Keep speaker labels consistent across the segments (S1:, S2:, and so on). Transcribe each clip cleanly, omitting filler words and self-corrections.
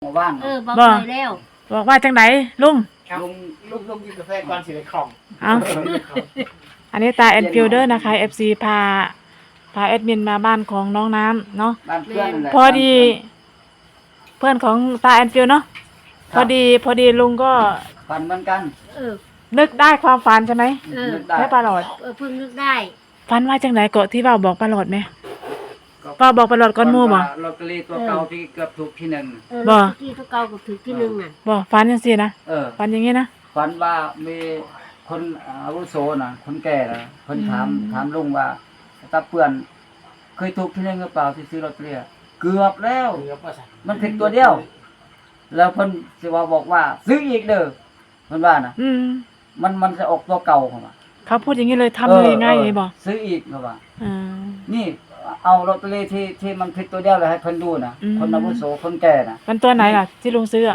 S1: มาว่าน
S2: บอกเลยแล้ว
S3: บอกว่าจังไหนลุง
S1: ลุงกินกาแฟก่อนสิได้คล่อง
S3: เอาอันนี้ตาแอนฟิลเดอร์นะคะ FC พาแอดมินมาบ้านของน้องน้ำเนาะ
S1: บ้านเพื่อนนั่นแหละ
S3: พอดีเพื่อนของตาแอนฟิลเนาะพอดีลุงก็
S1: ฝันเหมือนกัน
S3: นึกได้ความฝันใช่ไหม
S1: นึกได้
S3: แค่ปลาหลอด
S2: เพิ่งนึกได้
S3: ฝันว่าจังไหนเกาะที่ว่าบอกปลาหลอดไหมว่าบอกปลาหลอดก้อนหมู่บ่
S1: ลอตเตอรี่ตัวเก่าที่เกือบถูกที่หนึ่ง
S3: บ่
S2: ที่ตัวเก่ากับถือที่หนึ่งน่ะ
S3: บ่ฝันจังซี่นะ ฝันอย่างงี้นะ
S1: ฝันว่ามีคนอาวุโสนะคนแก่นะคนถามลุงว่าตาเปื่อนเคยถูกที่หนึ่งหรือเปล่าที่ซื้อลอตเตอรี่เกือบแล้ว มันผิดตัวเดียว แล้วเพิ่นสิว่าบอกว่าซื้ออีกเด้อเพิ่นว่านะมันจะออกตัวเก่าเข้ามา
S3: เขาพูดอย่างงี้เลยทำเลยง่ายเลยบ่
S1: ซื้ออีกเข้ามา
S3: อ่า
S1: นี่เอาลอตเตอรี่ที่มันผิดตัวเดียวเลยให้เพิ่นดูนะคนอาวุโสคนแก่นะ
S3: มันตัวไหนล่ะที่ลุงซื้ออ่ะ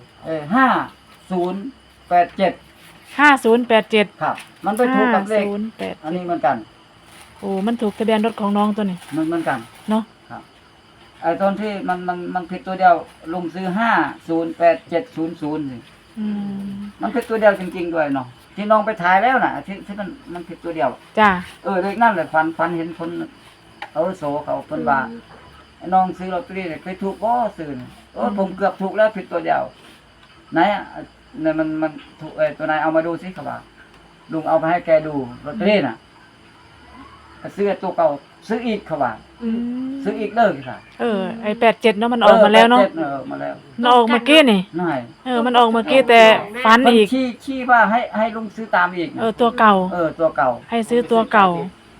S1: 5087
S3: 5087
S1: ครับ มันไปถูกกับเลขอันนี้เหมือนกัน
S3: โอ้มันถูกทะเบียนรถของน้องตัวนี้
S1: มันเหมือนกัน
S3: เนาะ
S1: ครับไอ้ตอนที่มันผิดตัวเดียวลุงซื้อ508700นี่
S3: อืม
S1: มันผิดตัวเดียวจริงๆด้วยเนาะที่น้องไปถ่ายแล้วน่ะที่มันผิดตัวเดียว
S3: จ้า
S1: เลขนั่นแหละฝันเห็นคนอาวุโสเขาเพิ่นว่าไอ้น้องซื้อลอตเตอรี่เนี่ยเคยถูกบ่ซื้อนี่ผมเกือบถูกแล้วผิดตัวเดียวไหนอ่ะเนี่ยมันถูกตัวไหนเอามาดูสิครับว่าลุงเอาไปให้แกดูลอตเตอรี่น่ะซื้อตัวเก่าซื้ออีกครับว่าซื้ออีกเด้อค่ะ
S3: ไอ้87เนาะมันออกมาแล้วเนาะ
S1: มาแล้ว
S3: มันออกเมื่อกี้นี่
S1: นั่น
S3: มันออกเมื่อกี้แต่ฝัน
S1: มัน
S3: อีก
S1: ชี้ว่าให้ลุงซื้อตามอีกนะ
S3: ตัวเก่า
S1: ตัวเก่า
S3: ให้ซื้อตัวเก่า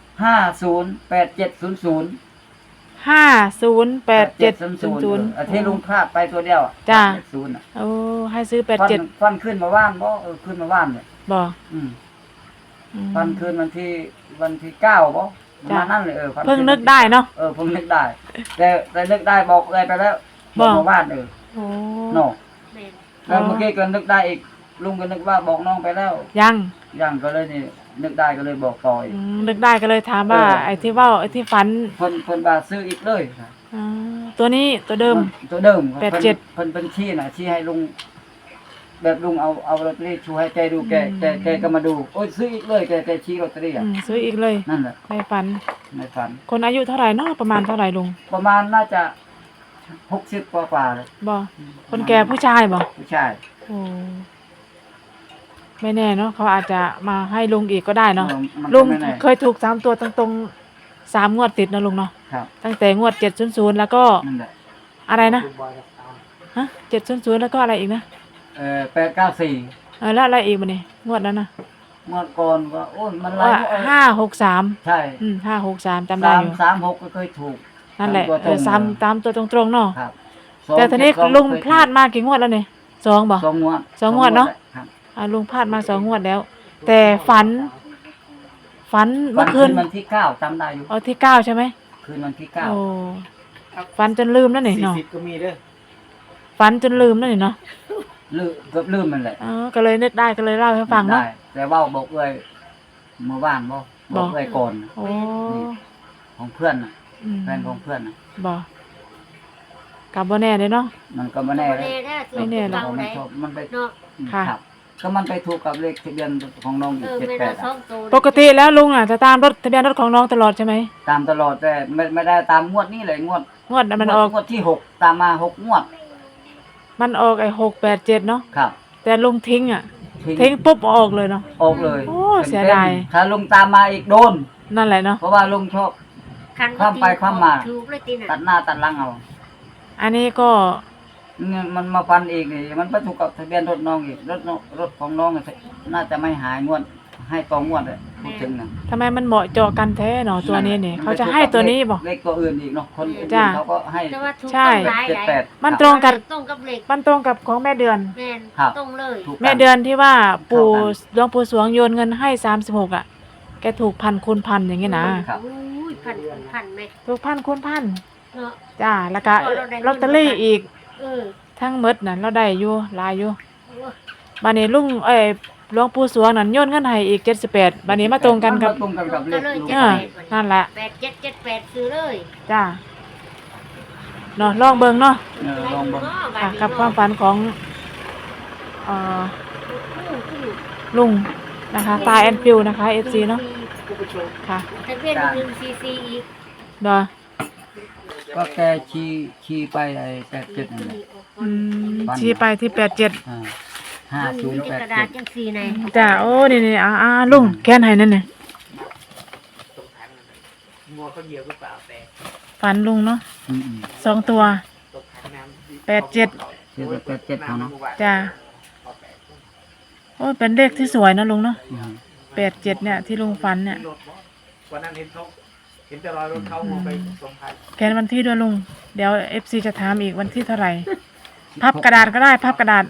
S1: 508700
S3: 508700
S1: ที่ลุงพลาดไปตัวเดียว
S3: จ้า
S1: 80น่ะ
S3: โอ้ให้ซื้อ87
S1: ฟันขึ้นมาว่านบ่ขึ้นมาว่านเนี่ย
S3: บ่
S1: ฟันขึ้นวันที่9บ่ประมาณนั้นเลย
S3: เพิ่งนึกได้เนาะ
S1: เพิ่งนึกได้แต่นึกได้บอกเลยไปแล้วบอกมาว่าน
S3: โอ้
S1: เนาะแล้วเมื่อกี้ก็นึกได้อีกลุงก็นึกว่าบอกน้องไปแล้ว
S3: ยัง
S1: ก็เลยนี่นึกได้ก็เลยบอกต่ออีก
S3: นึกได้ก็เลยถามว่าไอ้ที่ว่าไอ้ที่ฝัน
S1: เพิ่นว่าซื้ออีกเลย
S3: ตัวนี้ตัวเดิม
S1: ตัวเดิม
S3: 87
S1: เพิ่นชี้น่ะชี้ให้ลุงแบบลุงเอาลอตเตอรี่ชูให้แกดูแกก็มาดูโอ้ยซื้ออีกเลยแกชี้ลอตเตอรี่อ่ะ
S3: ซื้ออีกเลย
S1: นั่นแหละ
S3: ในฝัน
S1: ในฝัน
S3: คนอายุเท่าไหร่เนาะประมาณเท่าไหร่ลุง
S1: ประมาณน่าจะ60กว่าเลย
S3: บ่คนแก่ผู้ชายบ่
S1: ผู้ชาย
S3: โอ้ไม่แน่เนาะเขาอาจจะมาให้ลุงอีกก็ได้เนาะ
S1: มัน
S3: ลุ
S1: ก็
S3: ง
S1: ไม่แน่
S3: เคยถูก3ตัวตรงๆ3งวดติดนะลุงเนาะ
S1: ครับ
S3: ตั้งแต่งวด700แล้วก็
S1: นั่นแหละ
S3: อะไรนะฮะ700แล้วก็อะไรอีกนะ
S1: 894
S3: แล้วอะไรอีกบ่นี่งวดนั้นน่ะ
S1: เมื่อก่อนก็โอ้ยมันหลาย
S3: 563
S1: ใช่
S3: 563จำได้อยู่
S1: 336ก็เคยถูก
S3: นั่นแหละ
S1: ตามตัวตรง
S3: ตามตัวตรงๆเนาะ
S1: ครับ
S3: แต่ทีนี้ลุงพลาดมากี่งวดแล้วนี่2บ่
S1: 2 งวด
S3: 2 งวดเนาะ
S1: ครับ
S3: ลุงพลาดมา2 งวดแล้ว แต่ฝันเมื่อคืน
S1: วันที่9จำได้อยู่
S3: ที่9ใช่ไหม
S1: คืนวันที่
S3: โอ้
S1: 9
S3: ฝันจนลืมแล้วนี่เนาะ
S4: 40ก็มีเด้อ
S3: ฝันจนลืมแล้วนี่เนาะ
S1: เกือบลืมมันแหละ
S3: ก็เลยนึกได้ก็เลยเล่าให้ฟังเนาะ
S1: ได้แต่ว่าบอกเอ้ยเมื่อวานบอกเอ้ยก่อน
S3: โอ้
S1: ของเพื่อนน่ะแฟนของเพื่อนน่ะ
S3: บ่กลับบ่แน่เลยเนาะ
S1: มันก็ไม่แน่เลย
S3: ไม่แน่หรอก
S1: ผมไม่ชอบมันไป
S3: ค่ะ
S1: ครับก็มันไปถูกกับเลขทะเบียนของน้องอีก78อะ
S3: ปกติแล้วลุงจะตามรถทะเบียนรถของน้องตลอดใช่ไหม
S1: ตามตลอดแต่ไม่ได้ตามงวดนี้เลยงวด
S3: มันออก
S1: งวดที่6ตามมา6งวด
S3: มันออกไอ้687เนาะ
S1: ครับ
S3: แต่ลุงทิ้งทิ้งปุ๊บออกเลยเนาะ
S1: ออกเลย
S3: โอ้เสียดาย
S1: ถ้าลุงตามมาอีกโดน
S3: นั่นแหละเนาะ
S1: เพราะว่าลุงชอบข้ามไปข้ามมา
S2: ถูกเลยติน่ะ
S1: ตัดหน้าตัดหลังเอา
S3: อันนี้ก็
S1: เนี่ยมันมาฟันอีกนี่มันไปถูกกับทะเบียนรถน้องอีกรถของน้องน่าจะไม่หายงวดให้ต่องวดเลยพูดถึงนะ
S3: ทำไมมันเหมาะเจาะกันแท้เนาะตัวนี้เนี่ยเขาจะให้ตัวนี้บ่
S1: เลขตัวอื่นอีกเนาะคนอื่น
S3: จ้ะ
S1: เขาก็ให้
S2: แต่ว่าถูก
S3: ใช่
S2: ต้องหลาย
S1: 78
S3: มันตรงกับ
S2: ตรงกับเลข
S3: มันตรงกับของแม่เดือน
S2: แม่น
S1: ครับ
S2: ตรงเลย
S1: ถูกกั
S3: แม่เดือนที่ว่าหลวงปู่สวงโยนเงินให้36อ่ะแกถูกพันคูณพันอย่างงี้นะครับ
S2: อุ้ยพันไหม
S3: ถูกพันคูณพัน
S2: เนาะ
S3: จ้าแล้วก็
S2: เราได้เงิน
S3: ลอตเตอรี่อีก
S2: เออ
S3: ทั้งหมดน่ะเราได้อยู่หลายอยู่
S2: โอ้ย
S3: บัดนี้ลุงหลวงปู่สวงนั่นโยนเงินให้อีก78บัดนี้มาตรงกันกับ
S1: มัตรงกันกับเลขลูก
S3: นั่นแหละ
S2: 8778ซื้อเลย
S3: จ้าเนาะลองเบิ่งเนาะ
S1: ลองเบิ่ง
S3: ค่ะกับความฝันของลุงนะคะตาแอนฟิวนะคะ FC เนาะค่ะ
S2: ทะเบียน1 CC อีก
S3: เนาะ
S1: ก็แกชี้ไปไอ้87นั่นแหละ
S3: ชี้ไปที่87
S2: กระดาษ
S1: 5087
S2: จังสีใน
S3: จ้าโอ้นี่ลุงแค้นให้นั่นนี่ฝันลุงเนาะ
S1: อืม
S3: 2 ตัว87
S1: ชื่อ87เขาเนาะ
S3: จ้าโอ้เป็นเลขที่สวยนะลุงเนาะ
S1: อืม
S3: 87เนี่ยที่ลุงฝันเนี่ย
S4: วันนั้นเห็นแต่รอยรถเขามองไปส่งท้าย
S3: แค้นวันที่ด้วยลุงเดี๋ยว FC จะถามอีกวันที่เท่าไหร่พับกระดาษก็ได้พับกระดาษ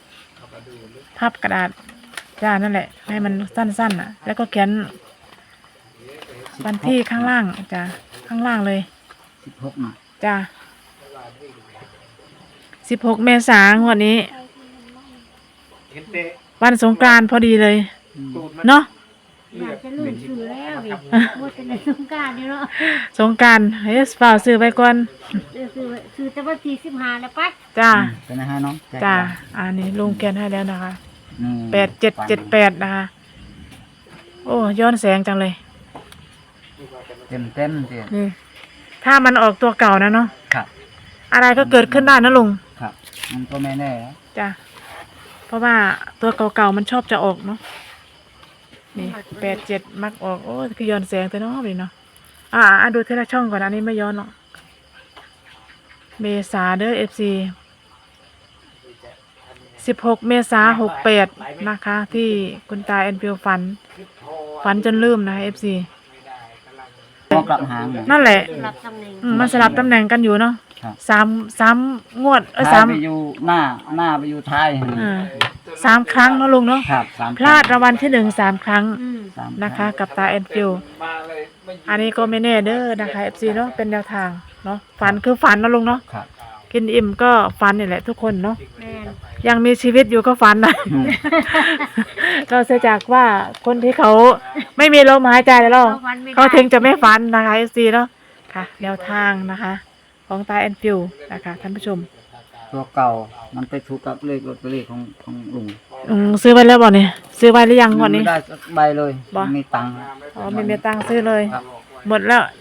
S3: จ้านั่นแหละให้มันสั้นๆแล้วก็เขียนวันที่ข้างล่างจ้าข้างล่างเลย
S1: 16น่ะ
S3: จ้า16 เมษายนวันนี้
S4: เห็นเตะ
S3: วันสงกรานต์พอดีเลย
S4: ตูดมัน
S3: เนาะ
S2: อยากจะลืมชื่อแล้วดิหมดในสงกรานต์นี่เนาะ
S3: สงกรานต์เฮ้ยฝ่าซื้อไปก่อน
S2: คือแต่ว่าที่15แล้วปัด
S3: จ้า
S1: เป็นนะฮะน้อง
S3: จ้าอันนี้ลุงเขียนให้แล้วนะคะ
S1: นี่
S3: 8778นะคะโอ้ย้อนแสงจังเลย
S1: เต็มเต็ม
S3: นี่ถ้ามันออกตัวเก่านะเนาะ
S1: ครับ
S3: อะไรก็เกิดขึ้นได้นะลุง
S1: ครับ มันก็ไม่แน่นะ
S3: จ้ะเพราะว่าตัวเก่าๆมันชอบจะออกเนาะนี่87มักออกโอ้คือย้อนแสงแต่เนาะนี่เนาะดูทีละช่องก่อนอันนี้ไม่ย้อนหรอกเมษาเด้อ FC 16 เมษา68นะคะ ที่คุณตาแอนฟิวฝันจนลืมนะคะ FC
S1: มองกลับหางเนี่ย
S3: นั่นแหละ
S2: รับตำแหน่ง
S3: มันสลับตำแหน่งกันอยู่เนาะ
S1: ครับ
S3: สามงวด
S1: ท้าม
S3: สาย ม
S1: ไปอยู่หน้าไปอยู่ท้าย
S3: 3 ครั้งเนาะลุงเนาะ
S1: ครับ3
S3: พลาดรางวัลที่1 3 ครั้ง
S1: สาม
S3: นะคะ กับตาแอนฟิว
S4: มาเลยไม่
S3: อันนี้ก็ไม่แน่เด้อนะคะ FC เนาะเป็นแนวทางเนาะฝันคือฝันนะลุงเนาะ
S1: ครับ
S3: กินอิ่มก็ฝันนี่แหละทุกคนเนาะ
S2: แม่น
S3: ยังมีชีวิตอยู่ก็ฝันนะ เราเสียจากว่าคนที่เขาไม่มีลมหายใจแล้วเขาถึงจะไม่ฝันนะคะ FC เนาะค่ะแนวทางนะคะ ของตาแอนฟิวนะคะท่านผู้ชม
S1: ตัวเก่ามันไปถูกกับเลขลอตเตอรี่ของลุง
S3: ซื้อไว้แล้วบ่เนี่ยซื้อไว้หรือยังวันนี้
S1: ไม่ได้สักใบเลย
S3: บ่
S1: มีตังค์
S3: อ๋อไม่มีตังค์ซื้อเลย
S1: ครับ
S3: หมดแล้ว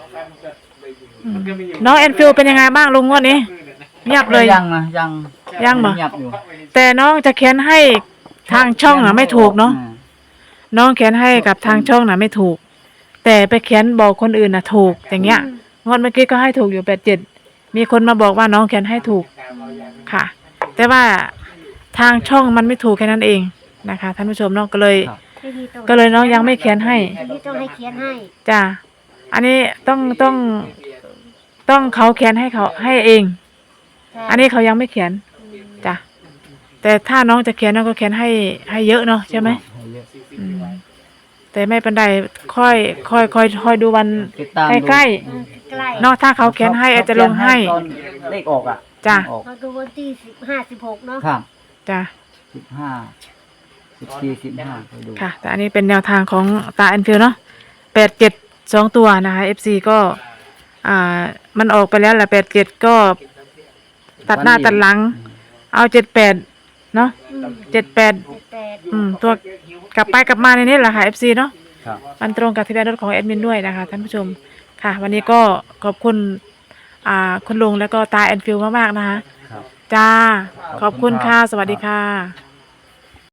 S3: น้องแอนฟิวเป็นยังไงบ้างลุงงวดนี้เงียบเลย
S1: ยังนะยัง
S3: ยังเหรอ
S1: เงียบอยู่
S3: แต่น้องจะเขียนให้ทางช่องน่ะไม่ถูกเนาะน้องเขียนให้กับทางช่องน่ะไม่ถูก แต่ไปเขียนบอกคนอื่นน่ะถูกอย่างเงี้ยงวดเมื่อกี้ก็ให้ถูกอยู่87มีคนมาบอกว่าน้องเขียนให้ถูกค่ะ แต่ว่าทางช่องมันไม่ถูกแค่นั้นเองนะคะท่านผู้ชมเนาะก็เลย
S1: ครับ
S3: ก็เลยน้องยังไม่เขียนให้
S2: อันนี้ต้องให้เขียนให้
S3: จ้าอันนี้ต้องเขาเขียนให้เขาให้เอง อันนี้เขายังไม่เขียนจ้ะแต่ถ้าน้องจะเขียนน้องก็เขียนให้เยอะเนาะใช่ไหมอืมแต่ไม่เป็นไรค่อยดูวัน
S1: ติดตาม
S3: ใกล้
S2: ใกล้
S3: ๆเนาะถ้าเขาเขียนให้อาจจะลงให้
S1: ตอนเลขออกอ่ะ
S3: จ้ะ
S1: ออก
S2: มาดูวันที่15 16เนาะ
S1: ครับ
S3: จ้ะ
S1: 15 14 15ไปดู
S3: ค่ะ แต่อันนี้เป็นแนวทางของตาแอนฟิลเนาะ87 2 ตัวนะคะ FC ก็มันออกไปแล้วแหละ87ก็ตัดหน้าตัดหลัง เอา78เนาะ78
S2: แต่
S3: ตัวกลับไปกลับมาในนี้แหละค่ะ FC เนาะ
S1: ครับ
S3: มันตรงกับทะเบียนรถของแอดมินด้วยนะคะท่านผู้ชมค่ะ วันนี้ก็ขอบคุณคุณลุงแล้วก็ตาแอนฟิลมากๆนะคะ
S1: ครับ
S3: จ้า ข
S1: ข
S3: อ
S1: อ
S3: บบ
S1: คุ
S3: คุณ
S1: ณ
S3: ค่ะ
S1: ครับ
S3: สวัสดีค่ะ